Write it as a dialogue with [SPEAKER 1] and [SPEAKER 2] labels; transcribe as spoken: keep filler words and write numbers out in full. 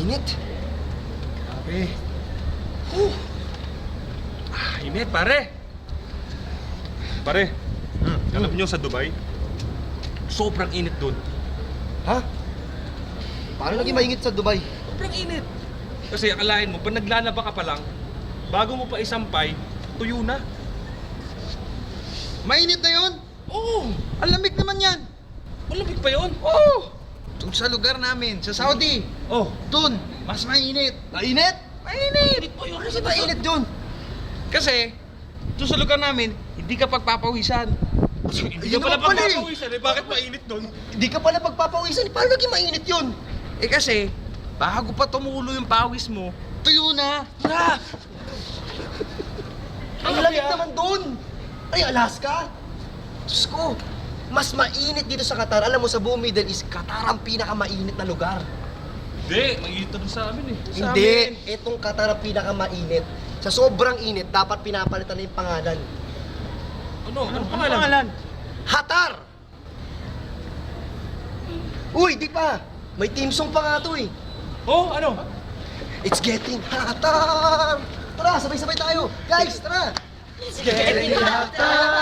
[SPEAKER 1] init.
[SPEAKER 2] Grabe. Uh. Ah, init, pare. Pare,
[SPEAKER 1] Hmm.
[SPEAKER 2] alam nyo sa Dubai, sobrang init doon.
[SPEAKER 1] Ha? Paano naging mainit sa Dubai?
[SPEAKER 2] Sobrang init. Kasi akalain mo, pag naglalaba ka pa lang, bago mo pa isampay, tuyo na.
[SPEAKER 1] Mainit na yun?
[SPEAKER 2] Oo!
[SPEAKER 1] Ang lamig naman yan.
[SPEAKER 2] Malamig pa yun.
[SPEAKER 1] Oo! Doon sa lugar namin, sa Saudi,
[SPEAKER 2] Oh,
[SPEAKER 1] doon, mas mainit. Mainit? Mainit!
[SPEAKER 2] init pa yun.
[SPEAKER 1] Kasi mainit doon. Kasi, doon sa lugar namin, hindi ka pagpapawisan.
[SPEAKER 2] Hindi
[SPEAKER 1] Ayun
[SPEAKER 2] ka pala
[SPEAKER 1] naman pala eh.
[SPEAKER 2] pagpapawisan eh. Bakit mainit doon?
[SPEAKER 1] Hindi ka pala pagpapawisan. Paano naging mainit yun? Eh kasi, bago pa tumulo yung pawis mo, tuyo na. Na! Ang lamig naman doon. Ay, Alaska. Diyos ko, mas mainit dito sa Qatar. Alam mo, sa buong Middle East, Qatar ang pinakamainit na lugar.
[SPEAKER 2] Hindi, mainit na doon sa amin eh. Sa
[SPEAKER 1] Hindi,
[SPEAKER 2] amin.
[SPEAKER 1] itong Qatar ang pinakamainit. Sa sobrang init, dapat pinapalitan na yung pangalan.
[SPEAKER 2] Ano? Ano pangalan?
[SPEAKER 1] Hatar! Uy, di pa! May team song pa nga to eh.
[SPEAKER 2] Oh, ano?
[SPEAKER 1] It's getting hotter! Tara, sabay-sabay tayo! Guys, tara! It's getting hotter!